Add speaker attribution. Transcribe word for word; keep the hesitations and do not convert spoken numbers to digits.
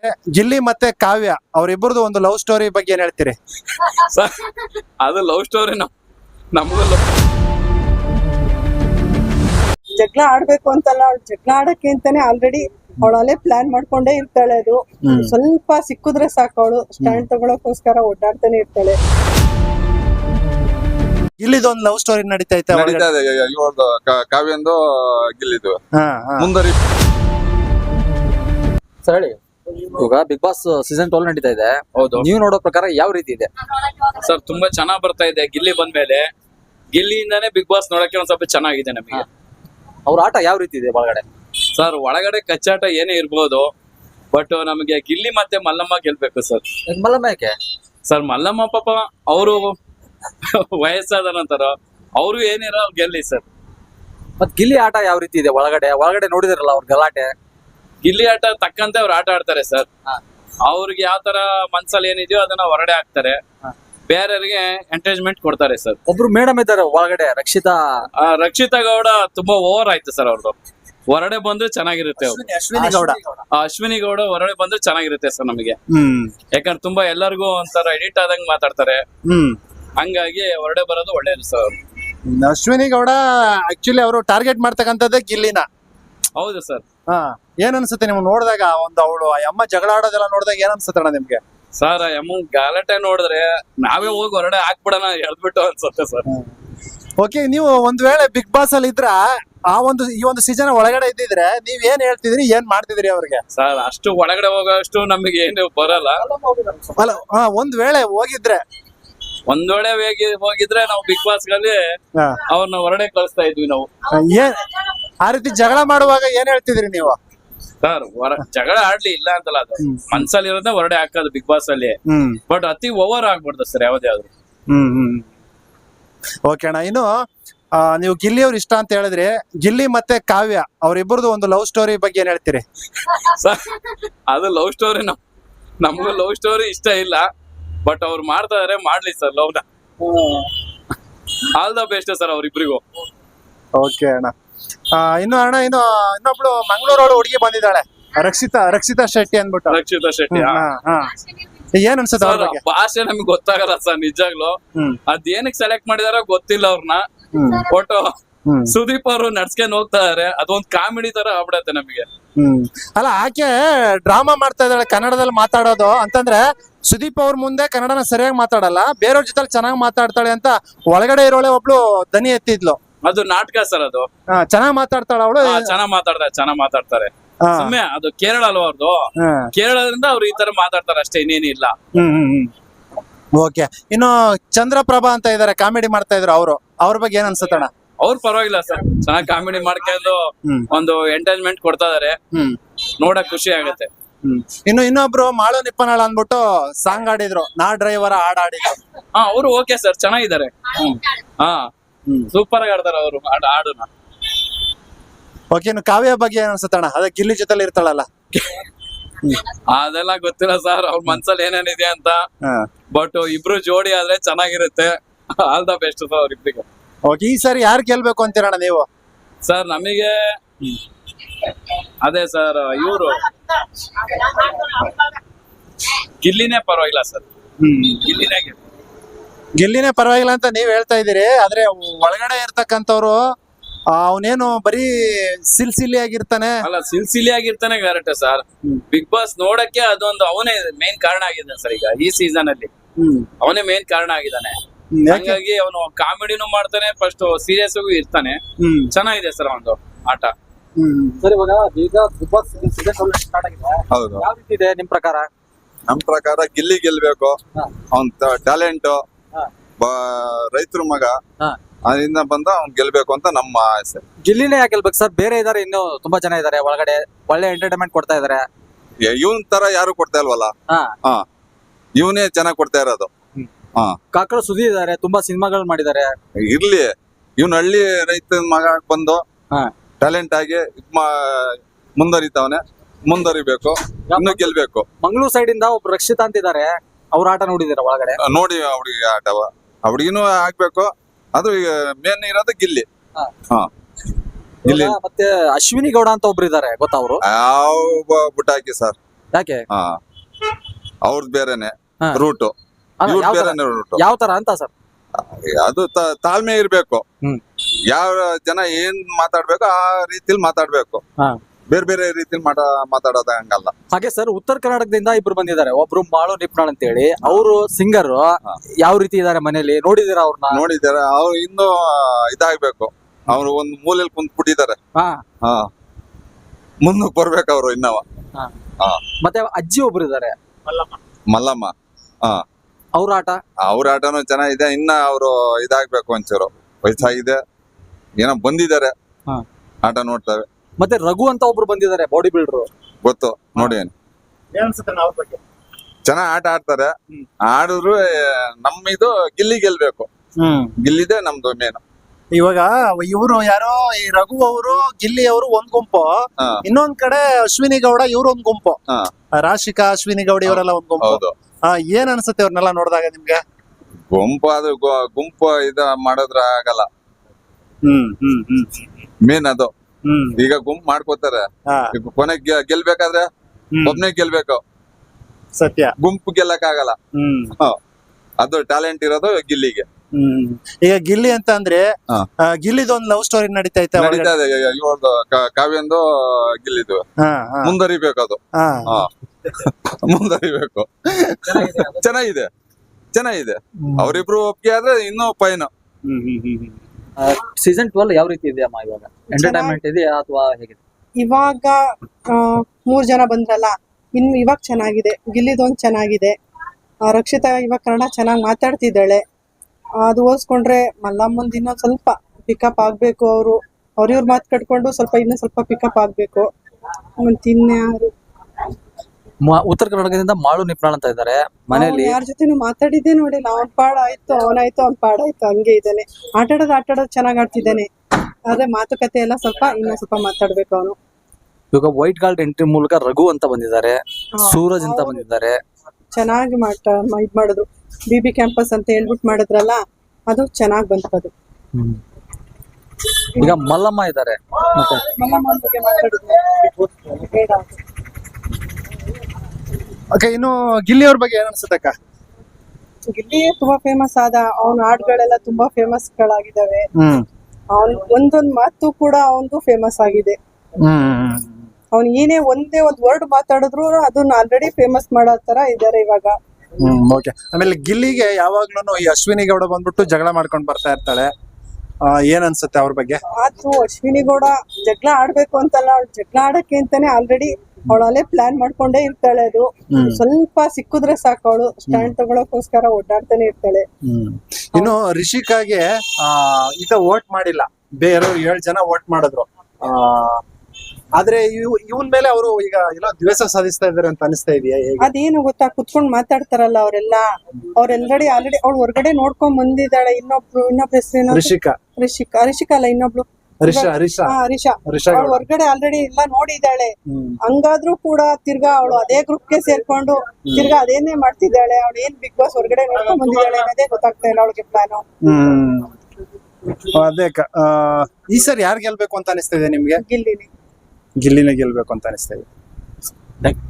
Speaker 1: ಗಿಲ್ಲಿ ಮತ್ತೆ ಕಾವ್ಯ ಅವರಿಬ್ಬರದು ಒಂದು love story ಬಗ್ಗೆ ಏನ್ ಹೇಳ್ತೀರಿ?
Speaker 2: ಸರ್ ಅದು ಲವ್ ಸ್ಟೋರಿ ನಮಗೂ
Speaker 3: ಜಗಳ ಆಡ್ಬೇಕು ಅಂತಲ್ಲ, ಅವ್ಳು ಜಗಳ ಆಡಕ್ಕೆ ಅಂತಾನೆ ಆಲ್ರೆಡಿ ಅವಳಲ್ಲೇ ಪ್ಲಾನ್ ಮಾಡ್ಕೊಂಡೇ ಇರ್ತಾಳೆ. ಅದು ಸ್ವಲ್ಪ ಸಿಕ್ಕಿದ್ರೆ ಸಾಕು, ಅವಳು ಸ್ಟ್ಯಾಂಡ್ ತಗೊಳಕೋಸ್ಕರ ಓಡಾಡ್ತಾನೆ ಇರ್ತಾಳೆ.
Speaker 1: ಗಿಲ್ಲಿದು ಒಂದು ಲವ್ ಸ್ಟೋರಿ ನಡೀತಾ ಐತೆ
Speaker 4: ನಡೀತಾ ಇದೆ ಇವ್ರದ್ದು ಕಾವ್ಯಂದು ಗಿಲ್ಲಿದು ಮುಂದರಿ.
Speaker 5: ಸರ್ ಹೇಳಿ, ಇವಾಗ ಬಿಗ್ ಬಾಸ್ ಸೀಸನ್ ಟ್ವೆಲ್ ನಡೀತಾ ಇದೆ.
Speaker 2: ಹೌದು.
Speaker 5: ನೀವು ನೋಡೋ ಪ್ರಕಾರ ಯಾವ ರೀತಿ ಇದೆ?
Speaker 2: ಸರ್ ತುಂಬಾ ಚೆನ್ನಾಗ್ ಬರ್ತಾ ಇದೆ. ಗಿಲ್ಲಿ ಬಂದ್ಮೇಲೆ ಗಿಲ್ಲಿಯಿಂದಾನೇ ಬಿಗ್ ಬಾಸ್ ನೋಡಕ್ಕೆ ಒಂದ್ ಸ್ವಲ್ಪ ಚೆನ್ನಾಗಿದೆ ನಮಗೆ.
Speaker 5: ಅವ್ರ ಆಟ ಯಾವ ರೀತಿ ಇದೆ ಒಳಗಡೆ?
Speaker 2: ಸರ್ ಒಳಗಡೆ ಕಚ್ಚಾಟ ಏನೇ ಇರ್ಬೋದು, ಬಟ್ ನಮಗೆ ಗಿಲ್ಲಿ ಮತ್ತೆ ಮಲ್ಲಮ್ಮ ಗೆಲ್ಬೇಕು ಸರ್.
Speaker 5: ಮಲ್ಲಮ್ಮ ಯಾಕೆ
Speaker 2: ಸರ್? ಮಲ್ಲಮ್ಮ ಪಾಪ ಅವರು ವಯಸ್ಸಾದ ನಂತರ ಅವರು ಏನಿರೋ ಗೆಲ್ಲಿ ಸರ್.
Speaker 5: ಮತ್ ಗಿಲ್ಲಿ ಆಟ ಯಾವ ರೀತಿ ಇದೆ ಒಳಗಡೆ? ಒಳಗಡೆ ನೋಡಿದಿರಲ್ಲ ಅವ್ರ ಗಲಾಟೆ.
Speaker 2: ಗಿಲ್ಲಿ ಆಟ ತಕ್ಕಂತೆ ಅವ್ರು ಆಟ ಆಡ್ತಾರೆ ಸರ್. ಅವ್ರಿಗೆ ಯಾವ ತರ ಮನ್ಸಲ್ಲಿ ಏನಿದೆಯೋ ಅದನ್ನ ಹೊರಗಡೆ ಹಾಕ್ತಾರೆ, ಬೇರೆಯವರಿಗೆ ಎಂಟರ್ಟೈನ್ಮೆಂಟ್ ಕೊಡ್ತಾರೆ ಸರ್.
Speaker 5: ಒಬ್ರು ಮೇಡಮ್ ಇದ್ದಾರೆ ಒಳಗಡೆ, ರಕ್ಷಿತಾ
Speaker 2: ಆ, ರಕ್ಷಿತಾ ಗೌಡ ತುಂಬಾ ಓವರ್ ಆಯ್ತು ಸರ್ ಅವ್ರದ್ದು. ಹೊರಗಡೆ ಬಂದ್ರೆ ಚೆನ್ನಾಗಿರುತ್ತೆ. ಅವ್ರು
Speaker 1: ಅಶ್ವಿನಿ ಗೌಡ
Speaker 2: ಆ, ಅಶ್ವಿನಿ ಗೌಡ ಹೊರಗಡೆ ಬಂದ್ರೆ ಚೆನ್ನಾಗಿರುತ್ತೆ ಸರ್ ನಮಗೆ.
Speaker 1: ಹ್ಮ್
Speaker 2: ಯಾಕಂದ್ರೆ ತುಂಬಾ ಎಲ್ಲರಿಗೂ ಒಂಥರ ಎಡಿಟ್ ಆದಂಗ್ ಮಾತಾಡ್ತಾರೆ,
Speaker 1: ಹ್ಮ್
Speaker 2: ಹಂಗಾಗಿ ಹೊರಗಡೆ ಬರೋದು ಒಳ್ಳೇದು ಸರ್.
Speaker 1: ಅಶ್ವಿನಿ ಗೌಡ ಆಕ್ಚುಲಿ ಅವರು ಟಾರ್ಗೆಟ್ ಮಾಡ್ತಕ್ಕಂಥದ್ದೇ ಗಿಲ್ಲಿನ.
Speaker 2: ಹೌದು ಸರ್.
Speaker 1: ಹಾ ಏನ್ ಅನ್ಸುತ್ತೆ ನಿಮ್ಗೆ ನೋಡಿದಾಗ? ಒಂದು ಅವಳು ಆ ಅಮ್ಮ ಜಗಳ ಆಡೋದೆಲ್ಲ ನೋಡಿದಾಗ ಏನ್ ಅನ್ಸುತ್ತೆ ಅಣ್ಣ ನಿಮ್ಗೆ?
Speaker 2: ಸರ್ ಎಮ್ಮ ಗಾಲಟೆ ನೋಡಿದ್ರೆ ನಾವೇ ಹೋಗಿ ಹೊರಗಡೆ ಹಾಕ್ಬಿಡೋಣ ಎಳ್ದ್ಬಿಟ್ಟು ಅನ್ಸುತ್ತೆ ಸರ್.
Speaker 1: ಓಕೆ, ನೀವು ಒಂದ್ ವೇಳೆ ಬಿಗ್ ಬಾಸ್ ಅಲ್ಲಿ ಇದ್ರ ಆ ಒಂದು ಈ ಒಂದು ಸೀಸನ್ ಒಳಗಡೆ ಇದ್ದಿದ್ರೆ ನೀವ್ ಏನ್ ಹೇಳ್ತಿದ್ರಿ, ಏನ್ ಮಾಡ್ತಿದ್ರಿ ಅವ್ರಿಗೆ?
Speaker 2: ಸರ್ ಅಷ್ಟು ಒಳಗಡೆ ಹೋಗೋಷ್ಟು ನಮಗೆ ಏನು ಬರಲ್ಲ.
Speaker 1: ಅಲ್ಲ ಹಾ, ಒಂದ್ ವೇಳೆ ಹೋಗಿದ್ರೆ
Speaker 2: ಒಂದ್ ವೇಳೆ ಹೋಗಿ ಹೋಗಿದ್ರೆ ನಾವು ಬಿಗ್ ಬಾಸ್ ಗಳಲ್ಲಿ
Speaker 1: ಹಾ,
Speaker 2: ಅವ್ರನ್ನ ಹೊರಗಡೆ ಕಳಿಸ್ತಾ ಇದ್ವಿ ನಾವು.
Speaker 1: ಏನ್ ಆ ರೀತಿ ಜಗಳ ಮಾಡುವಾಗ ಏನ್ ಹೇಳ್ತಿದ್ರಿ ನೀವು?
Speaker 2: ಸರ್ ಹೊರ ಜಗಳ ಆಡ್ಲಿ ಇಲ್ಲ ಅಂತಲ್ಲ, ಅದು ಮನ್ಸಲ್ಲಿ ಇರೋದೇ ಹೊರಗಡೆ ಹಾಕೋದು ಬಿಗ್ ಬಾಸ್ ಅಲ್ಲಿ.
Speaker 1: ಹ್ಮ್
Speaker 2: ಬಟ್ ಅತಿ ಓವರ್ ಆಗ್ಬಿಡ್ದು ಸರ್ ಯಾವ್ದು ಯಾವ್ದು.
Speaker 1: ಹ್ಮ್ ಹ್ಮ್ ಓಕೆ ಅಣ್ಣ. ಇನ್ನು ಆ, ನೀವು ಗಿಲ್ಲಿ ಅವ್ರು ಇಷ್ಟ ಅಂತ ಹೇಳಿದ್ರಿ, ಗಿಲ್ಲಿ ಮತ್ತೆ ಕಾವ್ಯ ಅವರಿಬ್ಬರದು ಒಂದು ಲವ್ ಸ್ಟೋರಿ ಬಗ್ಗೆ ಏನ್ ಹೇಳ್ತೀರಿ?
Speaker 2: ಸರ್ ಅದು ಲವ್ ಸ್ಟೋರಿ ನಮಗೂ ಲವ್ ಸ್ಟೋರಿ ಇಷ್ಟ ಇಲ್ಲ, ಬಟ್ ಅವ್ರು ಮಾಡ್ತಾ ಇದಾರೆ, ಮಾಡ್ಲಿ ಸರ್ ಲವ್ ನ. ಆಲ್ ದ ಬೆಸ್ಟ್ ಸರ್ ಅವ್ರಿಬ್ರಿಗೂ.
Speaker 1: ಓಕೆ ಅಣ್ಣ. ಆ, ಇನ್ನು ಅಣ್ಣ, ಇನ್ನು ಇನ್ನೊಬ್ಳು ಮಂಗಳೂರವಳು ಹುಡುಗಿ ಬಂದಿದ್ದಾಳೆ, ರಕ್ಷಿತಾ ರಕ್ಷಿತಾ ಶೆಟ್ಟಿ ಅಂದ್ಬಿಟ್ಟು.
Speaker 2: ರಕ್ಷಿತಾ ಶೆಟ್ಟಿ.
Speaker 1: ಹಾ, ಹಾ. ಏನ್ ಅನ್ಸುತ್ತೆ ಅವ್ರ
Speaker 2: ಸರ್
Speaker 1: ಬಗ್ಗೆ?
Speaker 2: ಭಾಷೆ ನಮ್ಗೆ ಗೊತ್ತಾಗಲ್ಲ ಸರ್ ನಿಜಾಗ್ಲು.
Speaker 1: ಹ್ಮ್
Speaker 2: ಅದೇನಕ್ ಸೆಲೆಕ್ಟ್ ಮಾಡಿದಾರ ಗೊತ್ತಿಲ್ಲ ಅವ್ರನ್ನ.
Speaker 1: ಹ್ಮ್
Speaker 2: ಫೋಟೋ
Speaker 1: ಹ್ಮ್
Speaker 2: ಸುದೀಪ್ ಅವರು ನಡ್ಸ್ಕೊಂಡ್ ಹೋಗ್ತಾ ಇದಾರೆ, ಅದೊಂದ್ ಕಾಮಿಡಿ ತರ ಆಗ್ಬಿಡತ್ತೆ ನಮಗೆ.
Speaker 1: ಹ್ಮ್ ಅಲ್ಲ, ಆಕೆ ಡ್ರಾಮಾ ಮಾಡ್ತಾ ಇದ್ದಾಳೆ ಕನ್ನಡದಲ್ಲಿ ಮಾತಾಡೋದು ಅಂತಂದ್ರೆ. ಸುದೀಪ್ ಅವ್ರ ಮುಂದೆ ಕನ್ನಡನ ಸರಿಯಾಗಿ ಮಾತಾಡಲ್ಲ, ಬೇರೆಯವ್ರ ಜೊತೆ ಚೆನ್ನಾಗಿ ಮಾತಾಡ್ತಾಳೆ ಅಂತ ಒಳಗಡೆ ಇರೋಳೆ ಒಬ್ಳು ದನಿ ಎತ್ತಿದ್ಲು.
Speaker 2: ಅದು ನಾಟಕ ಸರ್. ಅದು
Speaker 1: ಚೆನ್ನಾಗಿ ಮಾತಾಡ್ತಾಳ ಅವಳು.
Speaker 2: ಚೆನ್ನಾಗ್ ಮಾತಾಡ್ತಾರೆ, ಚೆನ್ನಾಗ್ ಮಾತಾಡ್ತಾರೆ. ಸುಮ್ಮನೆ ಅದು ಕೇರಳ ಅಲ್ವಾ ಅವ್ರದ್ದು, ಕೇರಳದಿಂದ ಅವ್ರು ಈ ತರ ಮಾತಾಡ್ತಾರೆ ಅಷ್ಟೇ, ಇನ್ನೇನಿಲ್ಲ.
Speaker 1: ಹ್ಮ್ ಹ್ಮ್ ಹ್ಮ್ ಓಕೆ. ಇನ್ನು ಚಂದ್ರಪ್ರಭಾ ಅಂತ ಇದಾರೆ, ಕಾಮಿಡಿ ಮಾಡ್ತಾ ಇದ್ರು, ಅವರು ಅವ್ರ ಬಗ್ಗೆ ಏನ್ ಅನ್ಸುತ್ತಣ್ಣ?
Speaker 2: ಅವ್ರು ಪರವಾಗಿಲ್ಲ ಸರ್, ಚೆನ್ನಾಗಿ ಕಾಮಿಡಿ ಮಾಡ್ಕೊಂಡು ಒಂದು ಎಂಟರ್ಟೈನ್ಮೆಂಟ್ ಕೊಡ್ತಾ ಇದಾರೆ,
Speaker 1: ಹ್ಮ್
Speaker 2: ನೋಡಕ್ ಖುಷಿ ಆಗುತ್ತೆ.
Speaker 1: ಹ್ಮ್ ಇನ್ನು ಇನ್ನೊಬ್ರು ಮಾಳು ನಿಪ್ಪನಾಳ ಅಂದ್ಬಿಟ್ಟು ಸಾಂಗ್ ಆಡಿದ್ರು, ನಾ ಡ್ರೈವರ ಹಾಡ್ ಆಡಿದ್ರು.
Speaker 2: ಹಾ ಅವರು ಓಕೆ ಸರ್, ಚೆನ್ನಾಗಿದ್ದಾರೆ. ಹಾ
Speaker 1: ಹ್ಮ್
Speaker 2: ಸೂಪರ್ ಆಗಿ ಆಡ್ತಾರೆ ಅವರು ಹಾಡನ್ನ.
Speaker 1: ಓಕೆ. ಇನ್ನು ಕಾವ್ಯ ಬಗ್ಗೆ ಏನ್ ಅನ್ಸುತ್ತಣ್ಣ? ಅದೇ ಗಿಲ್ಲಿ ಜೊತೆಲಿ ಇರ್ತಾಳಲ್ಲ.
Speaker 2: ಅದೆಲ್ಲ ಗೊತ್ತಿಲ್ಲ ಸರ್ ಅವ್ರ ಮನ್ಸಲ್ಲಿ ಏನೇನಿದೆ ಅಂತ,
Speaker 1: ಹಾ
Speaker 2: ಬಟ್ ಇಬ್ರು ಜೋಡಿ ಆದ್ರೆ ಚೆನ್ನಾಗಿರುತ್ತೆ. ಆಲ್ ದ ಬೆಸ್ಟ್ ಸರ್ ಅವ್ರಿಬ್ರಿಗೆ.
Speaker 1: ಓಕೆ, ಈ ಸಾರಿ ಯಾರು ಗೆಲ್ಬೇಕು ಅಂತೀರಣ್ಣ ನೀವು?
Speaker 2: ಸರ್ ನಮಗೆ ಅದೇ ಸರ್ ಇವರು ಗಿಲ್ಲಿನೇ ಪರವಾಗಿಲ್ಲ ಸರ್. ಗಿಲ್ಲಿನೇ ಗೆಲ್ಲಿ.
Speaker 1: ಗಿಲ್ಲಿನೇ ಪರವಾಗಿಲ್ಲ ಅಂತ ನೀವ್ ಹೇಳ್ತಾ ಇದೀರಿ, ಆದ್ರೆ ಒಳಗಡೆ ಇರ್ತಕ್ಕಂಥವ್ರು ಅವನೇನು ಬರೀ ಸಿಲ್ಸಿಲಿ ಆಗಿರ್ತಾನೆ.
Speaker 2: ಅಲ್ಲ ಸಿಲ್ಸಿಲಿ ಆಗಿರ್ತಾನೆ ಕರೆಕ್ಟ್ ಸರ್. ಬಿಗ್ ಬಾಸ್ ನೋಡಕ್ಕೆ ಅದೊಂದು ಅವನೇ ಮೇನ್ ಕಾರಣ ಆಗಿದ್ದಾನೆ ಸರ್. ಈಗ ಈ ಸೀಸನ್ ಅಲ್ಲಿ ಅವನೇ ಮೇನ್ ಕಾರಣ ಆಗಿದ್ದಾನೆ. ಹಂಗಾಗಿ ಅವನು ಕಾಮಿಡಿನೂ ಮಾಡ್ತಾನೆ, ಫಸ್ಟ್ ಸೀರಿಯಸ್ ಇರ್ತಾನೆ. ಚೆನ್ನಾಗಿದೆ ಸರ್ ಒಂದು ಆಟ.
Speaker 5: ಸರ್ ಇವಾಗ ಈಗ big boss season twelve start ಆಗಿದೆ.
Speaker 4: ಹೌದು.
Speaker 5: ಯಾವ ರೀತಿ ಇದೆ ನಿಮ್ ಪ್ರಕಾರ?
Speaker 4: ನಮ್ ಪ್ರಕಾರ ಗಿಲ್ಲಿ ಗೆಲ್ಬೇಕು. ಅವನ್ ಟ್ಯಾಲೆಂಟ್, ರೈತರ ಮಗ, ಅದರಿಂದ ಬಂದ ಅವ್ನ್ ಗೆಲ್ಬೇಕು ಅಂತ ನಮ್ಮ ಆಸೆ.
Speaker 5: ಗಿಲ್ಲಿನೇ ಯಾಕೆ ಗೆಲ್ಬೇಕು ಸರ್? ಬೇರೆ ಇದಾರೆ, ಇನ್ನು ತುಂಬಾ ಜನ ಇದಾರೆ ಒಳಗಡೆ, ಒಳ್ಳೆ ಎಂಟರ್ಟೈನ್ಮೆಂಟ್ ಕೊಡ್ತಾ ಇದಾರೆ.
Speaker 4: ಇವನ್ ತರ ಯಾರು ಕೊಡ್ತಾ ಇಲ್ವಲ್ಲ. ಹಾ ಇವನೇ ಚೆನ್ನಾಗ್ ಕೊಡ್ತಾ ಇರೋದು. ಹಾ
Speaker 5: ಕಾಕಡ ಸುದಿ ಇದಾರೆ, ತುಂಬಾ ಸಿನಿಮಾಗಳು ಮಾಡಿದ್ದಾರೆ.
Speaker 4: ಇರ್ಲಿ, ಇವನ್ ಹಳ್ಳಿ ರೈತ ಮಗ ಬಂದು ಟ್ಯಾಲೆಂಟ್ ಆಗಿ ಮುಂದರಿತಾವನೆ, ಮುಂದರಿಬೇಕು, ಇನ್ನು ಗೆಲ್ಬೇಕು.
Speaker 5: ಮಂಗಳೂರು ಸೈಡ್ ಇಂದ ಒಬ್ರು ರಕ್ಷಿತಾ ಅಂತ ಇದಾರೆ, ಅವ್ರ ಆಟ ನೋಡಿದಿರ ಒಳಗಡೆ?
Speaker 4: ನೋಡಿ ಹುಡುಗಿ ಆಟವ, ಹುಡುಗಿನೂ ಆಗ್ಬೇಕು. ಅದು ಮೇನ್ ಇರೋದು ಗಿಲ್ಲಿ. ಹಾ ಗಿಲ್ಲಿ.
Speaker 5: ಮತ್ತೆ ಅಶ್ವಿನಿ ಗೌಡ ಅಂತ ಒಬ್ರು ಇದಾರೆ, ಗೊತ್ತಾ ಅವರು?
Speaker 4: ಯಾವ ಬುಟ್ಟ ಹಾಕಿ ಸರ್,
Speaker 5: ಯಾಕೆ
Speaker 4: ಹಾ ಅವ್ರದ್ ಬೇರೆನೆ
Speaker 5: ಹಾ.
Speaker 4: ರೂಟು
Speaker 5: ಅಲ್ಲ,
Speaker 4: ಇವ್ರ
Speaker 5: ಯಾವ ತರ
Speaker 4: ಬೇರೆನೆ ರೂಟು
Speaker 5: ಯಾವ ತರ ಅಂತ ಸರ್?
Speaker 4: ಅದು ತ- ತಾಳ್ಮೆ ಇರ್ಬೇಕು.
Speaker 5: ಹ್ಮ್.
Speaker 4: ಯಾವ ಜನ ಏನ್ ಮಾತಾಡ್ಬೇಕು ಆ ರೀತಿಲಿ ಮಾತಾಡ್ಬೇಕು.
Speaker 5: ಹಾ.
Speaker 4: ಬೇರೆ ಬೇರೆ ರೀತಿಲಿ ಮಾತಾ ಮಾತಾಡೋದ ಹಂಗಲ್ಲ.
Speaker 5: ಹಾಗೆ ಸರ್ ಉತ್ತರ ಕರ್ನಾಟಕದಿಂದ ಇಬ್ರು ಬಂದಿದ್ದಾರೆ, ಒಬ್ರು ಮಾಳು ನಿಪ್ನಾಳ್ ಅಂತ ಹೇಳಿ, ಅವರು ಸಿಂಗರ್. ಯಾವ ರೀತಿ ಇದಾರೆ ಮನೇಲಿ ನೋಡಿದೀರಾ ಅವ್ರನ್ನ?
Speaker 4: ನೋಡಿದಾರೆ ಅವ್ರು ಇನ್ನೂ ಇದಾಗ್ಬೇಕು. ಅವ್ರು ಒಂದ್ ಮೂಲೆಯಲ್ಲಿ ಕುಂತ್ಬಿಟ್ಟಿದ್ದಾರೆ.
Speaker 5: ಹಾ.
Speaker 4: ಹಾ ಮುಂದಕ್ ಬರ್ಬೇಕು ಅವ್ರು ಇನ್ನವ.
Speaker 5: ಹಾ.
Speaker 4: ಹಾ.
Speaker 5: ಮತ್ತೆ ಅಜ್ಜಿ ಒಬ್ರು ಇದಾರೆ,
Speaker 4: ಮಲ್ಲಮ್ಮ. ಹಾ
Speaker 5: ಅವ್ರ ಆಟ
Speaker 4: ಅವ್ರ ಆಟನೂ ಚೆನ್ನಾಗಿದೆ. ಇನ್ನ ಅವರು ಇದಾಗ್ಬೇಕು ಒಂಚೂರು, ವಯಸ್ಸಾಗಿದೆ, ಏನೋ ಬಂದಿದ್ದಾರೆ.
Speaker 5: ಹಾ.
Speaker 4: ಆಟ ನೋಡ್ತೇವೆ.
Speaker 5: ಮತ್ತೆ ರಘು ಅಂತ ಒಬ್ರು ಬಂದಿದ್ದಾರೆ, ಬಾಡಿ ಬಿಲ್ಡರ್.
Speaker 4: ಗೊತ್ತು ನೋಡಿ. ಚೆನ್ನಾಗ್ ಆಟ ಆಡ್ತಾರೆ. ಆಡಿದ್ರು ನಮ್ ಇದು ಗಿಲ್ಲಿ ಗೆಲ್ಬೇಕು.
Speaker 1: ಹ್ಮ್
Speaker 4: ಗಿಲ್ಲಿದೆ ನಮ್ದು ಮೇನ್.
Speaker 1: ಇವಾಗ ಇವರು ಯಾರೋ ಈ ರಘು ಅವರು ಗಿಲ್ಲಿ ಅವರು ಒಂದ್ ಗುಂಪು,
Speaker 4: ಹಾ.
Speaker 1: ಇನ್ನೊಂದ್ ಕಡೆ ಅಶ್ವಿನಿ ಗೌಡ ಇವ್ರ ಒಂದ್ ಗುಂಪು,
Speaker 4: ಹಾ.
Speaker 1: ರಾಶಿಕಾ ಅಶ್ವಿನಿ ಗೌಡ ಇವರೆಲ್ಲ ಒಂದ್ ಗುಂಪು.
Speaker 4: ಹೌದು.
Speaker 1: ಆ, ಏನ್ ಅನ್ಸುತ್ತೆ ಅವ್ರನ್ನೆಲ್ಲ ನೋಡಿದಾಗ ನಿಮ್ಗೆ?
Speaker 4: ಗುಂಪು ಅದು ಗು- ಗುಂಪು ಇದ ಮಾಡಿದ್ರ ಆಗಲ್ಲ.
Speaker 1: ಹ್ಮ್ ಹ್ಮ್ ಹ್ಮ್
Speaker 4: ಮೇನ್ ಅದು.
Speaker 1: ಹ್ಮ್
Speaker 4: ಈಗ ಗುಂಪು ಮಾಡ್ಕೋತಾರೆ.
Speaker 1: ಹಾ,
Speaker 4: ಈಗ ಕೊನೆಗ್ ಗೆ- ಗೆಲ್ಬೇಕಾದ್ರೆ
Speaker 1: ಹ್ಮ್.
Speaker 4: ಒಬ್ನೇ ಗೆಲ್ಬೇಕು.
Speaker 1: ಸತ್ಯ.
Speaker 4: ಗುಂಪು ಗೆಲ್ಲಕ್ ಆಗಲ್ಲ.
Speaker 1: ಹ್ಮ್
Speaker 4: ಅದು ಟ್ಯಾಲೆಂಟ್ ಇರೋದು ಗಿಲ್ಲಿಗೆ.
Speaker 1: ಹ್ಮ್ ಈಗ ಗಿಲ್ಲಿ ಅಂತ ಅಂದ್ರೆ
Speaker 4: ಹಾ.
Speaker 1: ಆ, ಗಿಲ್ಲಿದೊಂದ್ ಲವ್ ಸ್ಟೋರಿ ನಡೀತಾ ಐತೆ ಒಳಗಡೆ.
Speaker 4: ನಡೀತಾ ಇದೆ ಇವ್ರದ್ದು ಕ- ಕಾವ್ಯಂದು ಗಿಲ್ಲಿದು
Speaker 1: ಹಾ, ಹಾ,
Speaker 4: ಮುಂದರಿಬೇಕು ಅದು.
Speaker 1: ಹಾ.
Speaker 4: ಹಾ ಮುಂದರಿಬೇಕು. ಚೆನ್ನಾಗಿದೆ ಚೆನ್ನಾಗಿದೆ.
Speaker 1: ಹ್ಮ್.
Speaker 4: ಅವರಿಬ್ರು ಒಪ್ಪಿಗೆ ಆದ್ರೆ ಇನ್ನೂ ಫೈನ್.
Speaker 1: ಹ್ಮ್ ಹ್ಮ್ ಹ್ಮ್ ಹ್ಮ್.
Speaker 5: ಸೀಸನ್ ಟ್ವೆಲ್ ಯಾವ ರೀತಿ ಇದೆ ಅಮ್ಮ ಇವಾಗ? ಎಂಟರ್ಟೈನ್ಮೆಂಟ್ ಇದೆಯಾ ಅಥವಾ ಹೇಗಿದೆ?
Speaker 3: ಇವಾಗ ಆ, ಮೂರ್ ಜನ ಬಂದ್ರಲ್ಲ, ಇನ್ನು ಇವಾಗ ಚೆನ್ನಾಗಿದೆ. ಗಿಲ್ಲಿದೊಂದ್ ಚೆನ್ನಾಗಿದೆ. ಆ, ರಕ್ಷಿತಾ ಇವಾಗ ಕನ್ನಡ ಚೆನ್ನಾಗಿ ಮಾತಾಡ್ತಿದ್ದಾಳೆ. ಅದು ಹೋಲ್ಸ್ಕೊಂಡ್ರೆ ಮಲ್ಲಮ್ಮಂದ್ ಇನ್ನೊಂದ್ ಸ್ವಲ್ಪ ಪಿಕಪ್ ಆಗ್ಬೇಕು. ಅವರು ಅವ್ರಿವ್ರ ಮಾತು ಕಟ್ಕೊಂಡು ಸ್ವಲ್ಪ ಇನ್ನೂ ಸ್ವಲ್ಪ ಪಿಕಪ್ ಆಗ್ಬೇಕು. ಮತ್ತೆ ಇನ್ಯಾರು
Speaker 5: ಮ- ಉತ್ತರ ಕರ್ನಾಟಕದಿಂದ ಮಾಳು ನಿಪ್ನಾಳ್ ಅಂತ ಇದ್ದಾರೆ ಮನೇಲಿ.
Speaker 3: ಯಾರ ಜೊತೆನೂ ಮಾತಾಡಿದ್ದೆ ನೋಡಿಲ್ಲ. ಅವ್ನ್ ಪಾಡ ಆಯ್ತು, ಅವನಾಯ್ತು, ಅವ್ನ್ ಪಾಡ ಆಯ್ತು, ಹಂಗೆ ಇದ್ದಾನೆ. ಆಟ ಆಡೋದು ಆಟ ಆಡೋದು ಚೆನ್ನಾಗ್ ಆಡ್ತಿದ್ದಾನೆ. ಆದ್ರೆ ಮಾತುಕತೆ ಎಲ್ಲ ಸ್ವಲ್ಪ ಇನ್ನೂ ಸ್ವಲ್ಪ ಮಾತಾಡ್ಬೇಕು ಅವನು.
Speaker 5: ಇವಾಗ ವೈಟ್ ಕಾರ್ಡ್ ಎಂಟ್ರಿ ಮೂಲಕ ರಘು ಅಂತ ಬಂದಿದ್ದಾರೆ, ಸೂರಜ್ ಅಂತ ಬಂದಿದ್ದಾರೆ.
Speaker 3: ಚೆನ್ನಾಗಿ ಮಾಟ ಇದ್ ಮಾಡಿದ್ರು. ಬಿ ಬಿ ಕ್ಯಾಂಪಸ್ ಅಂತ ಹೇಳ್ಬಿಟ್ಟು ಮಾಡಿದ್ರಲ್ಲ, ಅದು ಚೆನ್ನಾಗ್ ಬಂತು. ಅದು
Speaker 5: ಈಗ ಮಲ್ಲಮ್ಮ ಇದ್ದಾರೆ. ಮತ್ತೆ
Speaker 3: ಮಲ್ಲಮ್ಮನ್ ಬಗ್ಗೆ ಮಾತಾಡಿದ್ವಿ ಬೇಡ ಅಂತ.
Speaker 1: ಓಕೆ, ಇನ್ನು ಗಿಲ್ಲಿ ಅವ್ರ ಬಗ್ಗೆ ಏನ್ ಅನ್ಸುತ್ತಕ್ಕ?
Speaker 3: ಗಿಲ್ಲಿ ತುಂಬಾ ಫೇಮಸ್ ಆದ. ಅವನ ಹಾಡ್ಗಳೆಲ್ಲ ತುಂಬಾ ಫೇಮಸ್ ಗಳಾಗಿದ್ದಾವೆ.
Speaker 1: ಹ್ಮ್
Speaker 3: ಅವನ್ ಒಂದೊಂದ್ ಮಾತು ಕೂಡ ಅವನ್ದು ಫೇಮಸ್ ಆಗಿದೆ.
Speaker 1: ಹ್ಮ್
Speaker 3: ಅವ್ನ್ ಏನೇ ಒಂದೇ ಒಂದ್ ವರ್ಡ್ ಮಾತಾಡಿದ್ರು ಅದನ್ನ ಆಲ್ರೆಡಿ ಫೇಮಸ್ ಮಾಡೋ ತರ ಇದಾರೆ ಇವಾಗ.
Speaker 1: ಹ್ಮ್ ಓಕೆ. ಆಮೇಲೆ ಗಿಲ್ಲಿಗೆ ಯಾವಾಗ್ಲೂ ಈ ಅಶ್ವಿನಿ ಗೌಡ ಬಂದ್ಬಿಟ್ಟು ಜಗಳ ಮಾಡ್ಕೊಂಡ್ ಬರ್ತಾ ಇರ್ತಾಳೆ. ಆ, ಏನ್ ಅನ್ಸುತ್ತೆ ಅವ್ರ ಬಗ್ಗೆ?
Speaker 3: ಆದ್ರೂ ಅಶ್ವಿನಿ ಗೌಡ ಜಗಳ ಆಡ್ಬೇಕು ಅಂತಲ್ಲ, ಅವ್ಳು ಜಗಳ ಆಡಕ್ಕೆ ಅಂತಾನೆ ಆಲ್ರೆಡಿ ಅವಳಲ್ಲೇ ಪ್ಲಾನ್ ಮಾಡ್ಕೊಂಡೇ ಇರ್ತಾಳೆ. ಅದು
Speaker 1: ಹ್ಮ್.
Speaker 3: ಸ್ವಲ್ಪ ಸಿಕ್ಕಿದ್ರೆ ಸಾಕು, ಅವಳು ಸ್ಟ್ಯಾಂಡ್ ತಗೊಳಕೋಸ್ಕರ ಓಡಾಡ್ತಾನೆ ಇರ್ತಾಳೆ.
Speaker 1: ಹ್ಮ್ ಇನ್ನು ರಿಷಿಕಾಗೆ ಆ ಈತ ವೋಟ್ ಮಾಡಿಲ್ಲ, ಬೇರೆ ಏಳು ಜನ ವೋಟ್ ಮಾಡಿದ್ರು. ಆ ಆದ್ರೆ ಇವ್ ಇವನ್ ಮೇಲೆ ಅವರು ಈಗ ಏನೋ ದ್ವೇಷ ಸಾಧಿಸ್ತಾ ಇದಾರೆ ಅಂತ ಅನಿಸ್ತಾ ಇದೆಯಾ? ಹೇಗೆ?
Speaker 3: ಅದೇನು ಗೊತ್ತಾ, ಕುತ್ಕೊಂಡ್ ಮಾತಾಡ್ತಾರಲ್ಲ ಅವರೆಲ್ಲ, ಅವ್ರೆಲ್ಲಡಿ ಆಲ್ರೆಡಿ ಅವ್ಳು ಹೊರಗಡೆ ನೋಡ್ಕೊಂಡ್ ಬಂದಿದ್ದಾಳೆ. ಇನ್ನೊಬ್ರು ಇನ್ನೊಬ್ರು ಹೆಸರೇನು?
Speaker 1: ರಿಷಿಕಾ
Speaker 3: ರಿಷಿಕಾ ರಿಷಿಕಾ ಅಲ್ಲ, ಇನ್ನೊಬ್ಳು
Speaker 1: ರಿಷಾ ರಿಷಾ
Speaker 3: ಹಾ ರಿಷಾ.
Speaker 1: ರಿಷಾ
Speaker 3: ಅವಳು
Speaker 1: ಗೌಡ.
Speaker 3: ಹೊರಗಡೆ ಆಲ್ರೆಡಿ ಎಲ್ಲ ನೋಡಿದ್ದಾಳೆ.
Speaker 1: ಹ್ಮ್
Speaker 3: ಹಂಗಾದ್ರೂ ಕೂಡ ತಿರ್ಗಾ ಅವಳು ಅದೇ ಗ್ರೂಪ್ಗೆ ಸೇರ್ಕೊಂಡು ತಿರ್ಗಾ ಅದೇನೇ ಮಾಡ್ತಿದ್ದಾಳೆ. ಅವಳು ಏನ್ ಬಿಗ್ ಬಾಸ್ ಹೊರಗಡೆ ನೋಡ್ಕೊಂಡ್ ಬಂದಿದ್ದಾಳೆ ಅನ್ನೋದೇ ಗೊತ್ತಾಗ್ತಾ ಇಲ್ಲ ಅವಳಿಗೆ ಪ್ಲಾನು.
Speaker 1: ಹ್ಮ್ ಅದೇ ಅಕ್ಕ. ಆ, ಈ ಸರಿ ಯಾರು ಗೆಲ್ಬೇಕು ಅಂತ ಅನಿಸ್ತಾ ಇದೆ ನಿಮ್ಗೆ?
Speaker 3: ಗಿಲ್ಲಿನಿ
Speaker 1: ಗಿಲ್ಲಿನೇ ಗೆಲ್ಬೇಕು ಅಂತ ಅನಿಸ್ತಾ ಇದೆ.